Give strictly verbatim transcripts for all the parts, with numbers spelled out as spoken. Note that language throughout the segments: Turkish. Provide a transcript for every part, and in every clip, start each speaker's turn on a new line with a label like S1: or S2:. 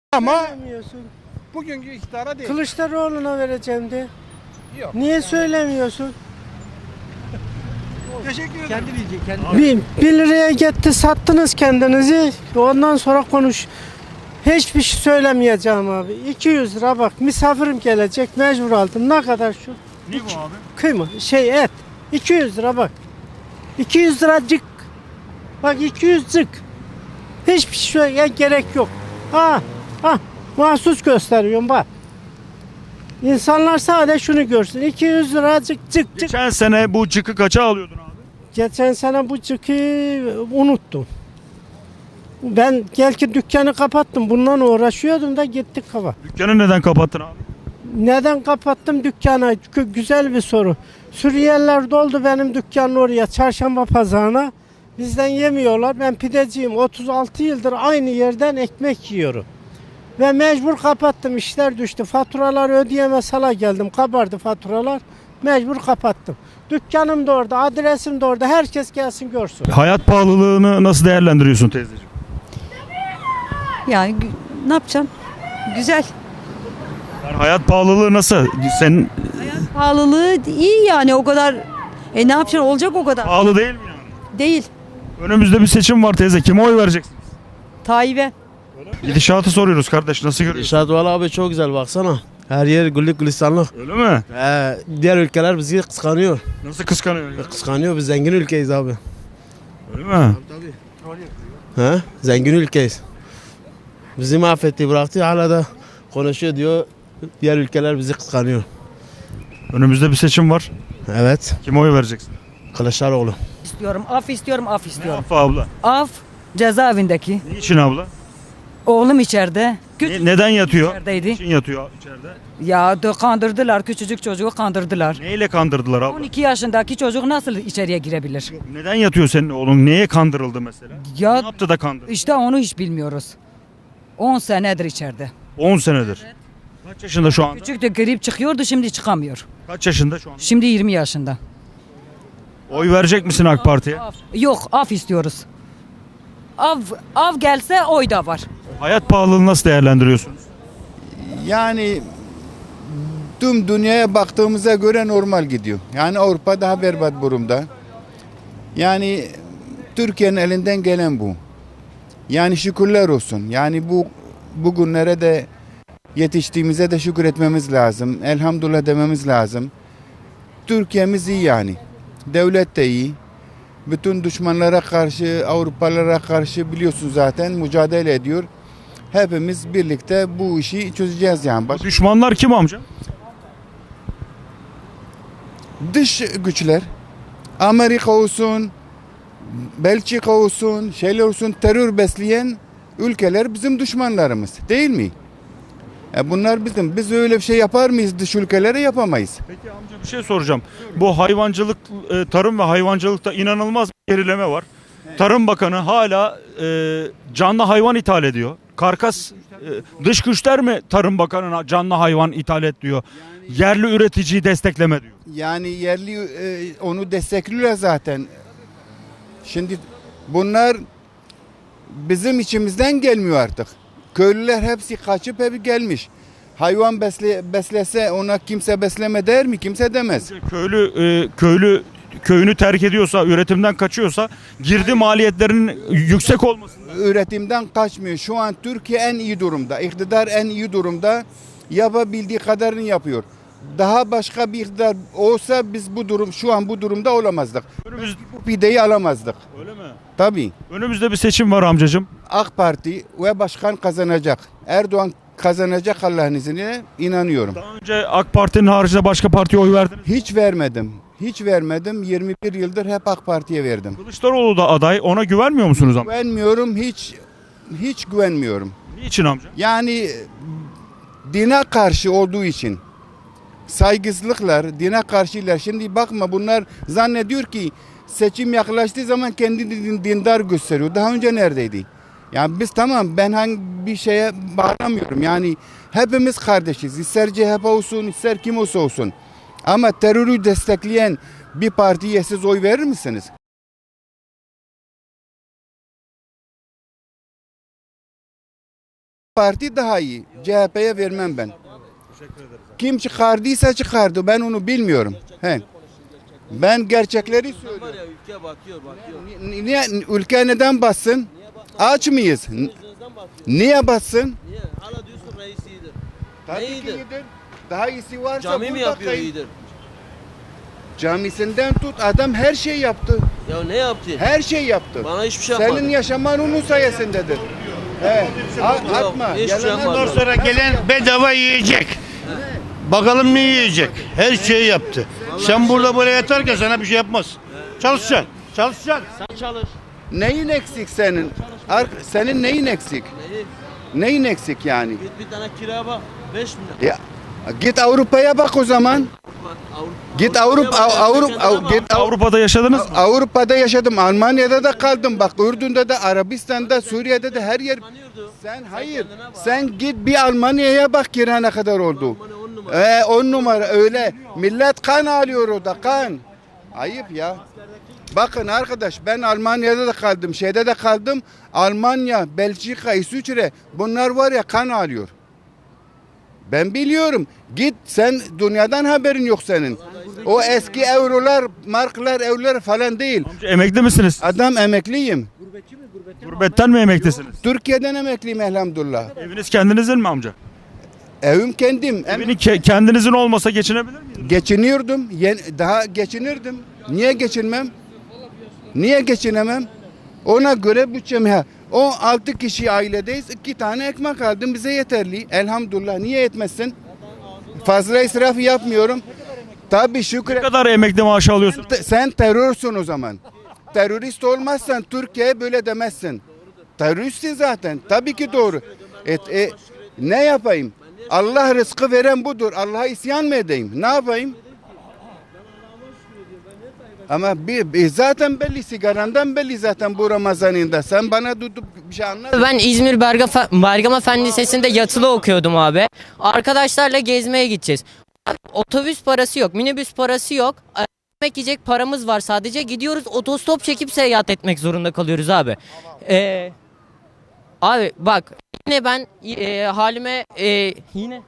S1: Ama
S2: Söylemiyorsun.
S1: bugünkü iktidara değil.
S2: Kılıçdaroğlu'na vereceğim de.
S1: Yok.
S2: Niye söylemiyorsun?
S1: Teşekkür ederim.
S3: Kendi bilecek, kendi.
S2: Bir, bir liraya gitti sattınız kendinizi. Ondan sonra konuş. Hiçbir şey söylemeyeceğim abi. iki yüz lira bak, misafirim gelecek, mecbur aldım. Ne kadar şu?
S3: Ne bu abi?
S2: Kıyma şey et. iki yüz lira bak. iki yüz liracık. Bak iki yüzcük. Hiçbir şeye gerek yok. Ha ha mahsus gösteriyorum bak. İnsanlar sadece şunu görsün. iki yüz liracık cık cık.
S3: Geçen sene bu cıkı kaça alıyordun abi?
S2: Geçen sene bu cıkı unuttum. Ben gel ki dükkanı kapattım. Bundan uğraşıyordum da gittik hava.
S3: Dükkanı neden kapattın abi?
S2: Neden kapattım dükkanı? Gü- Güzel bir soru. Suriyeliler doldu benim dükkanın oraya, çarşamba pazarına. Bizden yemiyorlar. Ben pideciyim. otuz altı yıldır aynı yerden ekmek yiyorum. Ve mecbur kapattım. İşler düştü. Faturaları ödeyemez hala geldim. Kabardı faturalar. Mecbur kapattım. Dükkanım da orada, adresim de orada. Herkes gelsin görsün.
S3: Hayat pahalılığını nasıl değerlendiriyorsun teyzeciğim?
S4: Yani gü- ne yapacağım? Güzel.
S3: Yani hayat pahalılığı nasıl? Senin
S4: Pahalılığı iyi yani o kadar. E ne yapacaksın? Olacak o kadar.
S3: pahalı değil mi yani?
S4: Değil.
S3: Önümüzde bir seçim var teyze. Kime oy vereceksiniz?
S4: Tayyip'e.
S3: Gidişatı soruyoruz kardeş. Nasıl görüyorsun?
S5: İnşaat valla abi çok güzel baksana. Her yer güllük gülistanlık.
S3: Öyle mi?
S5: Ee, diğer ülkeler bizi kıskanıyor.
S3: Nasıl kıskanıyor ya?
S5: Kıskanıyor, biz zengin ülkeyiz abi.
S3: Öyle mi?
S5: He? Zengin ülkeyiz. Bizi mahvetti, bıraktı, hala da konuşuyor diyor. Diğer ülkeler bizi kıskanıyor.
S3: Önümüzde bir seçim var.
S5: Evet,
S3: Kime oy vereceksin?
S5: Kılıçdaroğlu.
S6: İstiyorum, af istiyorum, af istiyorum.
S3: Affa abla.
S6: Af cezaevindeki.
S3: Niçin abla?
S6: Oğlum içeride. Küç
S3: Ne- neden yatıyor?
S6: içerideydi.
S3: Niçin yatıyor içeride?
S6: Ya da kandırdılar, küçücük çocuğu kandırdılar.
S3: Neyle kandırdılar abla?
S6: on iki yaşındaki çocuk nasıl içeriye girebilir?
S3: Neden yatıyor senin oğlun? Neye kandırıldı mesela? Ne
S6: Ya
S3: yaptı da kandırdı?
S6: işte onu hiç bilmiyoruz. on senedir içeride.
S3: on senedir. Kaç yaşında şu anda?
S6: Küçüktü, grip çıkıyordu, şimdi çıkamıyor.
S3: Kaç yaşında şu anda?
S6: Şimdi yirmi yaşında.
S3: Oy verecek misin AK Parti'ye?
S6: Af. Yok, af istiyoruz. Av, av gelse oy da var.
S3: Hayat pahalılığını nasıl değerlendiriyorsunuz?
S7: Yani tüm dünyaya baktığımıza göre normal gidiyor. Yani Avrupa daha berbat durumda. Yani Türkiye'nin elinden gelen bu. Yani şükürler olsun. Yani bu bugünlere de yetiştiğimize de şükür etmemiz lazım. Elhamdülillah dememiz lazım. Türkiye'miz iyi yani. Devlet de iyi. Bütün düşmanlara karşı, Avrupalılara karşı biliyorsun zaten mücadele ediyor. Hepimiz birlikte bu işi çözeceğiz yani. Baş-
S3: Bu düşmanlar kim amca?
S7: Dış güçler, Amerika olsun, Belçika olsun, şeyler olsun, terör besleyen ülkeler bizim düşmanlarımız değil mi? E bunlar bizim. Biz öyle bir şey yapar mıyız dış ülkelere? Yapamayız.
S3: Peki amca bir şey soracağım. Bu hayvancılık, e, tarım ve hayvancılıkta inanılmaz bir gerileme var. Tarım Bakanı hala e, canlı hayvan ithal ediyor. Karkas e, dış güçler mi Tarım Bakanı'na canlı hayvan ithal et diyor. Yerli üreticiyi destekleme diyor.
S7: Yani yerli e, onu destekliyorlar zaten. Şimdi bunlar bizim içimizden gelmiyor artık. Köylüler hepsi kaçıp hep gelmiş. Hayvan besle, beslese ona kimse besleme der mi? Kimse demez.
S3: Köylü e, köylü köyünü terk ediyorsa, üretimden kaçıyorsa girdi maliyetlerinin yüksek olması.
S7: Üretimden kaçmıyor. Şu an Türkiye en iyi durumda. İktidar en iyi durumda. Yapabildiği kadarını yapıyor. Daha başka bir iktidar olsa biz bu durum şu an bu durumda olamazdık.
S3: Önümüz,
S7: Bu pideyi alamazdık.
S3: öyle mi?
S7: Tabii.
S3: Önümüzde bir seçim var amcacığım.
S7: AK Parti ve başkan kazanacak. Erdoğan kazanacak Allah'ın izniyle inanıyorum.
S3: Daha önce AK Parti'nin haricinde başka partiye oy verdiniz.
S7: Hiç vermedim. Hiç vermedim. yirmi bir yıldır hep AK Parti'ye verdim.
S3: Kılıçdaroğlu da aday. Ona güvenmiyor musunuz amca?
S7: Güvenmiyorum. Hiç hiç güvenmiyorum.
S3: Niçin amca?
S7: Yani dine karşı olduğu için saygısızlıklar, dine karşılar. Şimdi bakma bunlar zannediyor ki seçim yaklaştığı zaman kendini dindar gösteriyor. Daha önce neredeydi? Yani biz tamam ben hangi bir şeye bağlamıyorum. Yani hepimiz kardeşiz. İster C H P olsun, ister kim olsa olsun. Ama terörü destekleyen bir partiye siz oy verir misiniz? Parti daha iyi. C H P'ye vermem ben. Kim çıkardıysa çıkardı. Ben onu bilmiyorum. He. Ben gerçekleri söylüyorum.
S5: Var ya ülke batıyor batıyor.
S7: Ni- Niye ülke neden bassın? Aç mıyız? N- Niye bassın?
S5: Niye? Hala diyorsun reis iyidir.
S7: Tabii ki
S5: iyidir?
S7: iyidir. Daha iyisi varsa
S5: Cami mi
S7: burada
S5: yapıyor
S7: kayıp.
S5: iyidir?
S7: Camisinden tut adam her şey yaptı.
S5: Ya ne yaptı?
S7: Her şey yaptı.
S5: Bana hiçbir şey yapmadı.
S7: Senin yaşaman onun sayesindedir. He. A- atma.
S5: hiçbir şey
S7: Yalanlar-
S5: yapmadı.
S8: Ondan sonra gelen bedava yiyecek. Bakalım ne yiyecek? Her şeyi yaptı. Sen burada böyle yatarken sana bir şey yapmaz. Çalışacaksın. Çalışacaksın.
S5: Sen çalış.
S7: Neyin eksik senin? Ar- senin neyin eksik?
S5: Neyi?
S7: Neyin eksik yani?
S5: Git bir tane kiraya bak. beş milyon.
S7: Ya git Avrupa'ya bak o zaman.
S5: Bak, Avrupa,
S7: Git Avrupa Avrupa Avrupa git Avrupa
S3: Avrupa'da yaşadınız mı?
S7: Avrupa'da yaşadım. Almanya'da da kaldım. Bak Ürdün'de de, Arabistan'da, Suriye'de de her yer. Sen hayır. Sen git bir Almanya'ya bak kira ne kadar oldu. Ee, on numara öyle. Millet kan alıyor orada kan. Ayıp ya. Bakın arkadaş ben Almanya'da da kaldım. Şeyde de kaldım. Almanya, Belçika, İsviçre bunlar var ya kan alıyor. Ben biliyorum. Git sen dünyadan haberin yok senin. O eski eurolar, marklar, evler falan değil.
S3: Amca emekli misiniz?
S7: Adam emekliyim.
S3: Gurbetten mi emeklisiniz?
S7: Türkiye'den emekliyim elhamdülillah.
S3: Eviniz kendinizin mi amca?
S7: Evim kendim. Em-
S3: Evini ke- kendinizin olmasa geçinebilir miydiniz?
S7: Geçiniyordum. Yen- daha geçinirdim. Niye geçinmem? Niye geçinemem? Ona göre bütçem ha. O altı kişi ailedeyiz. iki tane ekmek aldım. Bize yeterli. Elhamdülillah. Niye etmezsin? Fazla israf yapmıyorum. Tabii
S3: Ne
S7: şükür.
S3: kadar emekli maaşı alıyorsunuz?
S7: Te- Sen terörsün o zaman. Terörist olmazsan Türkiye'ye böyle demezsin. Teröristsin zaten. Tabii ki doğru. Et, e, ne yapayım? Allah rızkı veren budur. Allah'a isyan mı edeyim? Ne yapayım? Ama bir, bir zaten belli sigarandan belli zaten bu Ramazan'ında. Sen bana tutup bir şey anlat.
S9: Ben İzmir Berga, Bergama Fen Lisesi'nde yatılı okuyordum abi. Arkadaşlarla gezmeye gideceğiz. Otobüs parası yok, minibüs parası yok. Yemek yiyecek paramız var sadece. Gidiyoruz otostop çekip seyahat etmek zorunda kalıyoruz abi. Ee, abi bak yine ben e, halime e, yine...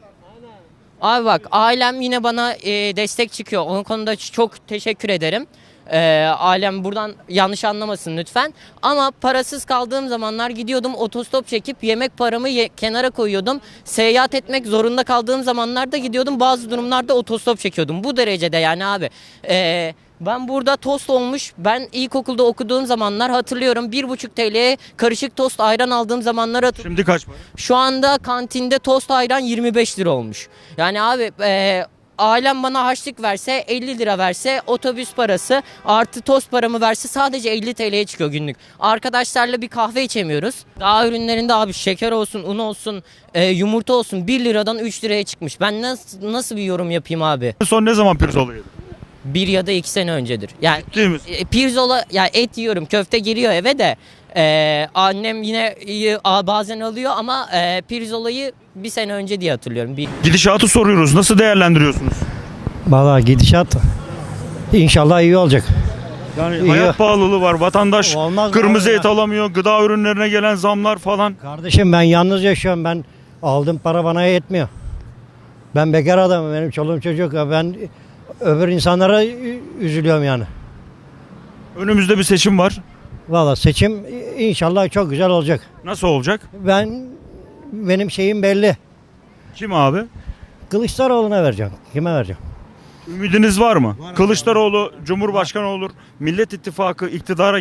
S9: Abi bak ailem yine bana e, destek çıkıyor. Onun konuda çok teşekkür ederim. E, ailem buradan yanlış anlamasın lütfen. Ama parasız kaldığım zamanlar gidiyordum otostop çekip yemek paramı ye- kenara koyuyordum. Seyahat etmek zorunda kaldığım zamanlarda gidiyordum. Bazı durumlarda otostop çekiyordum. Bu derecede yani abi. E, ben burada tost olmuş. Ben ilkokulda okuduğum zamanlar hatırlıyorum. bir buçuk T L'ye karışık tost ayran aldığım zamanları hatırlıyorum.
S3: Şimdi kaç para?
S9: Şu anda kantinde tost ayran yirmi beş lira olmuş. Yani abi e, ailem bana harçlık verse elli lira verse otobüs parası artı tost paramı verse sadece elli T L'ye çıkıyor günlük. Arkadaşlarla bir kahve içemiyoruz. Gıda ürünlerinde abi şeker olsun, un olsun, e, yumurta olsun bir liradan üç liraya çıkmış. Ben nasıl, nasıl bir yorum yapayım abi?
S3: Son ne zaman pirzola yedin?
S9: Bir ya da iki sene öncedir. Yani
S3: Değil misin?
S9: e, pirzola ya et yiyorum, köfte geliyor eve de e, annem yine e, a- bazen alıyor ama e, pirzolayı bir sene önce diye hatırlıyorum. Bir
S3: Gidişatı soruyoruz. Nasıl değerlendiriyorsunuz?
S10: Valla gidişat inşallah iyi olacak.
S3: Yani
S10: İyi.
S3: hayat pahalılığı var. Vatandaş
S10: Olmaz mı
S3: kırmızı
S10: abi
S3: et
S10: ya?
S3: alamıyor. Gıda ürünlerine gelen zamlar falan.
S10: Kardeşim ben yalnız yaşıyorum. Ben aldığım para bana yetmiyor. Ben bekar adamım. Benim çoluğum çocuk. Ben öbür insanlara üzülüyorum yani.
S3: Önümüzde bir seçim var.
S10: Valla seçim inşallah çok güzel olacak.
S3: Nasıl olacak?
S10: Ben benim şeyim belli.
S3: Kim abi?
S10: Kılıçdaroğlu'na vereceğim. Kime vereceğim?
S3: Ümidiniz var mı? Kılıçdaroğlu Cumhurbaşkanı olur. Millet İttifakı iktidara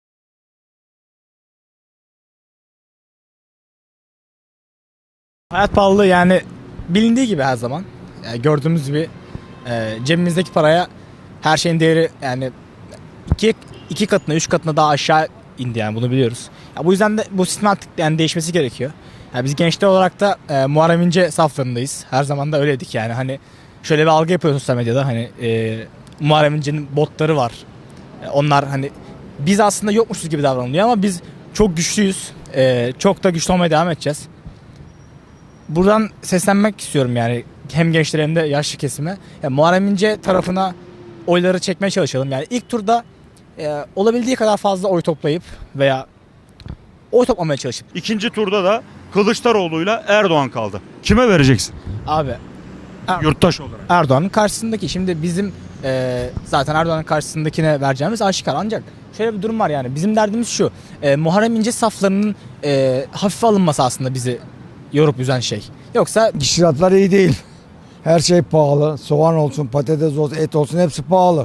S11: Hayat pahalılığı yani bilindiği gibi her zaman. Yani gördüğümüz gibi e, cebimizdeki paraya her şeyin değeri yani iki, iki katına, üç katına daha aşağı indi yani bunu biliyoruz. Ya bu yüzden de bu sistemin artık yani değişmesi gerekiyor. Yani biz gençler olarak da e, Muharrem İnce saflarındayız. Her zaman da öyleydik yani hani şöyle bir algı yapıyor sosyal medyada hani e, Muharrem İnce'nin botları var. E, onlar hani biz aslında yokmuşuz gibi davranılıyor ama biz çok güçlüyüz. E, çok da güçlü olmaya devam edeceğiz. Buradan seslenmek istiyorum yani hem gençlere hem de yaşlı kesime. Yani Muharrem İnce tarafına oyları çekmeye çalışalım. Yani ilk turda e, olabildiği kadar fazla oy toplayıp veya oy toplamaya çalışıp
S3: İkinci turda da Kılıçdaroğlu'yla Erdoğan kaldı. Kime vereceksin?
S11: Abi Er-
S3: Yurttaş olarak.
S11: Erdoğan'ın karşısındaki şimdi bizim e, zaten Erdoğan'ın karşısındakine vereceğimiz aşikar. Ancak şöyle bir durum var yani bizim derdimiz şu. E, Muharrem İnce saflarının e, hafife alınması aslında bizi yorup üzen şey. Yoksa
S12: Gişiratlar iyi değil. Her şey pahalı. Soğan olsun, patates olsun, et olsun hepsi pahalı.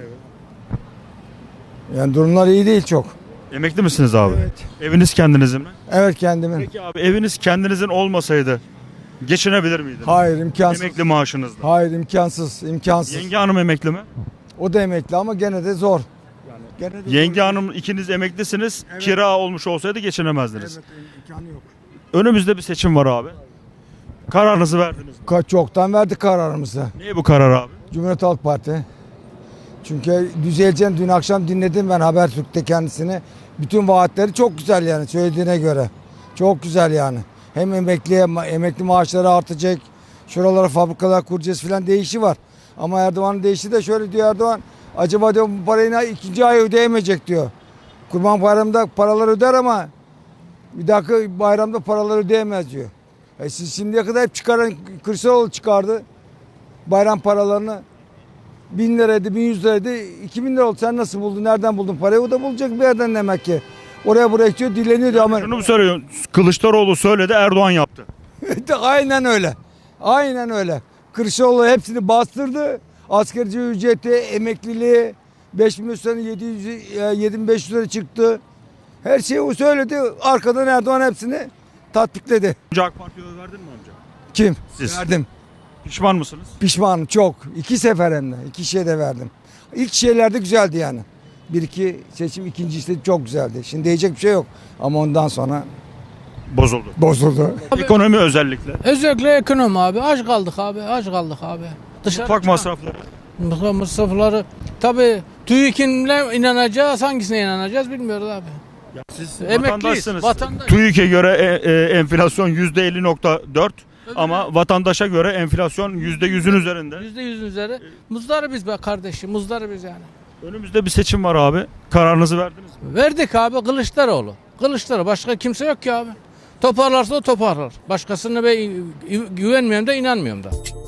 S12: Yani durumlar iyi değil çok.
S3: Emekli misiniz abi?
S12: Evet.
S3: Eviniz kendinizin mi?
S12: Evet kendimin.
S3: Peki abi eviniz kendinizin olmasaydı geçinebilir miydiniz?
S12: Hayır imkansız.
S3: Emekli maaşınızla.
S12: Hayır imkansız, imkansız.
S3: Yenge hanım emekli mi?
S12: O da emekli ama gene de zor. Gene de
S3: Yenge hanım ikiniz emeklisiniz.
S12: Evet.
S3: Kira olmuş olsaydı geçinemezdiniz.
S12: Evet, imkanı yok.
S3: Önümüzde bir seçim var abi. Kararınızı verdiniz mi?
S12: Ka- Çoktan verdik kararımızı.
S3: Ne bu karar abi?
S12: Cumhuriyet Halk Parti. Çünkü düzeleceğini dün akşam dinledim ben Habertürk'te kendisini. Bütün vaatleri çok güzel yani söylediğine göre. Çok güzel yani. Hem emekliye emekli maaşları artacak. Şuralara fabrikalar kuracağız filan değişi var. Ama Erdoğan'ın değişi de şöyle diyor Erdoğan. Acaba diyor bu parayı ikinci ay ödeyemeyecek diyor. Kurban Bayramı'nda paralar öder ama bir dakika bayramda paralar ödeyemez diyor. E siz şimdiye kadar hep çıkaran Kılıçdaroğlu çıkardı bayram paralarını. Bin liraydı, bin yüz liraydı, iki bin lira oldu. Sen nasıl buldun, nereden buldun parayı? O da bulacak bir yerden demek ki. Oraya buraya gidiyor, dileniyor diyor ama...
S3: Şunu mu söylüyorsun? Kılıçdaroğlu söyledi, Erdoğan yaptı.
S12: Aynen öyle. Aynen öyle. Kılıçdaroğlu hepsini bastırdı. Asgari ücreti, emekliliği, beş bin üstüne yedi yüz, yedi bin beş yüz lira çıktı. Her şeyi o söyledi. Arkadan Erdoğan hepsini tatbikledi.
S3: Önce AK Parti'ye oy verdin mi amca?
S12: Kim?
S3: Siz.
S12: Verdim.
S3: Pişman mısınız?
S12: Pişmanım çok. İki sefer hem de. İki şeye de verdim. İlk şeylerde güzeldi yani. Bir iki seçim ikinci işte çok güzeldi. Şimdi diyecek bir şey yok. Ama ondan sonra
S3: Bozuldu.
S12: bozuldu.
S3: Ekonomi özellikle.
S1: Özellikle ekonomi abi. Aç kaldık abi. Aç kaldık abi. Dışarı
S3: Mutfak masrafları.
S1: Mutfak masrafları. Tabii TÜİK'inle inanacağız. Hangisine inanacağız bilmiyoruz abi.
S3: Ya siz
S1: Emekliyiz,
S3: vatandaşsınız.
S1: vatandaş.
S3: TÜİK'e göre e, e, enflasyon yüzde elli nokta dört ama vatandaşa göre enflasyon yüzde yüzün üzerinde.
S1: Yüzde yüz üzeri. Muzdarı biz be kardeşim. Muzdarı biz yani.
S3: Önümüzde bir seçim var abi. Kararınızı verdiniz mi?
S1: Verdik abi Kılıçdaroğlu. Kılıçdaroğlu. Başka kimse yok ki abi. Toparlarsa o toparlar. Başkasına ben güvenmiyorum da inanmıyorum da.